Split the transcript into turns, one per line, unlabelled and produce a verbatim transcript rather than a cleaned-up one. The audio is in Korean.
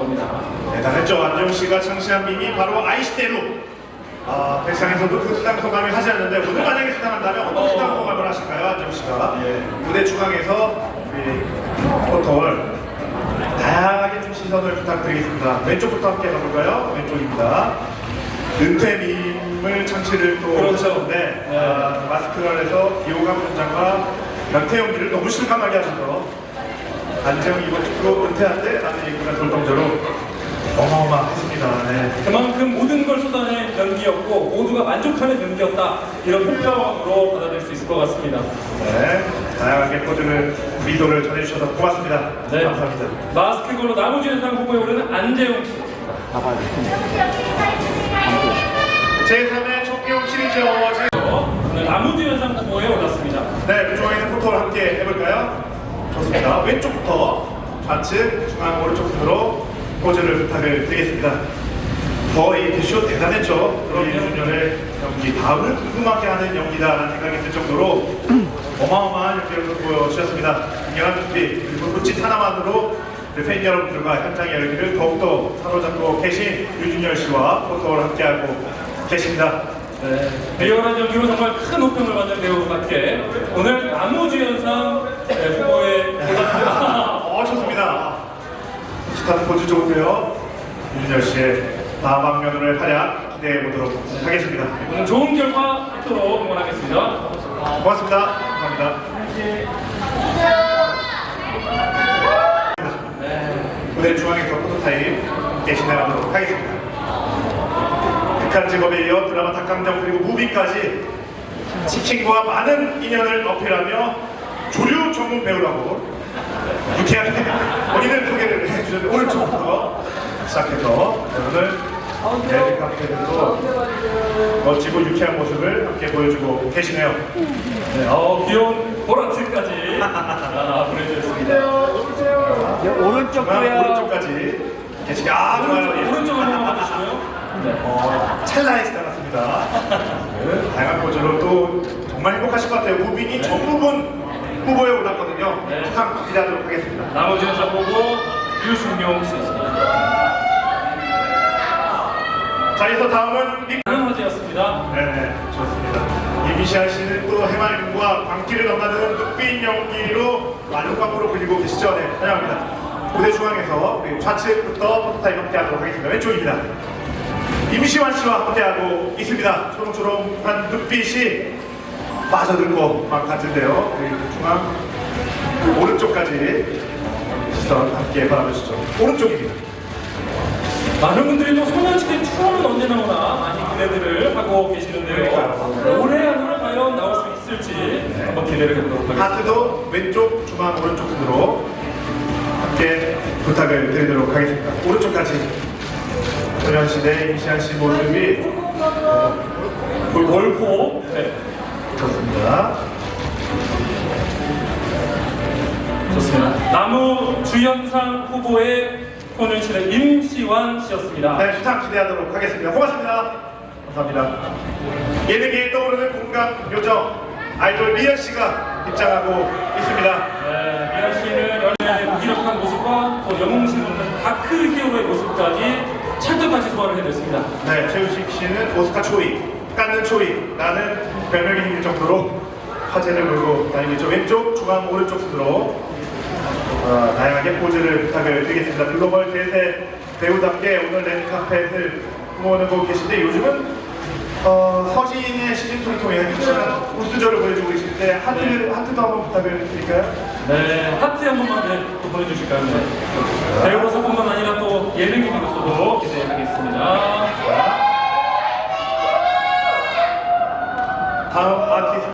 겁니다.
대단했죠. 안정 씨가 창시한 밈이 바로 아이시대로. 아, 백상에서도 그 수당 소감을 하지 않는데 오늘 만약에 수당한다면 어떤 수당 소감을 하실까요, 안정 씨가? 예. 무대 중앙에서 우리 포털 다양하게 좀 시선을 부탁드리겠습니다. 왼쪽부터 함께 가볼까요? 왼쪽입니다. 은퇴 밈을 창시를 또
그렇죠.
하셨는데
네.
아, 마스크 안에서 비호감 분장과 연태 연기를 너무 실감하게 하셔서 안재홍 이번 주로 은퇴한대 라는 얘기가 돌동저로 어마어마했습니다. 네.
그만큼 모든 걸 쏟아낸 연기였고 모두가 만족하는 연기였다, 이런 평가로 받아들일 수 있을 것 같습니다.
네, 다양하게 포즈를, 미소를 전해주셔서 고맙습니다.
네.
감사합니다.
마스크걸로 나무주연상 후보에 오르는 안재웅 씨.
제삼회 총기용 시리즈 어워즈.
오늘 나무주연상 후보에 올랐습니다.
네, 그 중앙에서 포토를 함께 해볼까요? 좋습니다. 왼쪽부터 좌측, 중앙, 오른쪽 순으로 포즈를 부탁을 드리겠습니다. 거의 뷰쇼 대단했죠. 그런 윤준열의 연기, 다음을 궁금하게 하는 연기다라는 생각이 들 정도로 어마어마한 연기를 보여주셨습니다. 굉장한 준비, 그리고 눈짓 하나만으로 팬 여러분들과 현장의 열기를 더욱더 사로잡고 계신 유준열 씨와 포토를 함께하고 계십니다.
네, 리얼한 연기로 정말 큰 호평을 받는 배우답게 오늘 나무주연상 후보에 올랐습니다.
어, 좋습니다. 스타트 포즈 좋은데요. 유준열 씨의 다음 방면으로의 활약 기대해 보도록 하겠습니다.
오늘 좋은 결과 있도록 응원하겠습니다.
고맙습니다. 감사합니다. 무대 중앙에서 포토타임 함께 진행하도록 하겠습니다. 극한 직업에 이어 드라마 닭강정 그리고 무비까지 치킨과 많은 인연을 어필하며 조류 전문 배우라고 유쾌하게 본인을 소개를 해주셨는데 오른쪽부터 시작해서 오늘 레드 카페에도 멋지고 유쾌한 모습을 함께 보여주고 계시네요.
네, 어, 귀여운 보라트까지 아, 보내주셨습니다.
네, 오른쪽도요.
오른쪽까지 계시게 아 좋아요.
오른쪽,
예.
오른쪽 한번 봐주시고요. 네.
어, 찰나에 지나갔습니다. 네, 다양한 포즈로 또 정말 행복하실 것 같아요. 무빙이
네.
전 부분 후보에 올랐거든요.
네.
항상 기대하도록 하겠습니다.
나머지는 보고 유승용 씨였습니다.
자, 이어서 다음은 미...
다른 화제였습니다.
네네, 좋습니다. 이미시아 씨는 또 해맑음과 광기를 넘나드는 눈빛 연기로 많은 광고로 불리고 계시죠? 네, 환영합니다. 무대 중앙에서 우리 좌측부터 포토타임 함께하도록 하겠습니다. 왼쪽입니다. 임시완 씨와 함께하고 있습니다. 초롱초롱한 눈빛이 빠져들고 막 같은데요. 그리고 중앙 오른쪽까지 시선 함께 바라보시죠. 오른쪽입니다.
많은 분들이 또 소년시대 투어는 언제 나오나 많이 기대들을 하고 계시는데요. 올해 안으로 과연 나올 수 있을지 한번 기대를 해보도록 하겠습니다.
하트도 왼쪽, 중앙, 오른쪽 순으로 함께 부탁을 드리도록 하겠습니다. 오른쪽까지 소년시대 임시한 씨 모습이
골고 네.
좋습니다.
좋습니다. 나무주연상 후보의 소년시대 임시완 씨였습니다.
네, 수상 기대하도록 하겠습니다. 고맙습니다. 감사합니다. 예능계에 떠오르는 공감 요정 아이돌 미연 씨가 입장하고 있습니다.
네, 미연 씨는 연예인의 무기력한 모습과 또 영웅신 없는 다크 히어로의 모습까지 찰떡같이 소화를 해냈습니다.
네, 최우식 씨는 오스카 초이, 깎는 초이라는 별명이 생길 정도로 화제를 몰고 다니고 있죠. 왼쪽, 중앙, 오른쪽 순으로 어, 다양하게 포즈를 부탁을 드리겠습니다. 글로벌 대세 배우답게 오늘 랜카펫을 모으고 계신데 요즘은 어, 서진의 시즌이를 통해 확실한 우수저를 보여주고 계신데 하트, 하트도 한번 부탁을 드릴까요?
네, 하트 한 번만 네, 또 보내주실까요? 네. 배우로서뿐만 아니라 또 예능인으로서도 기대하겠습니다.
다음 아티스트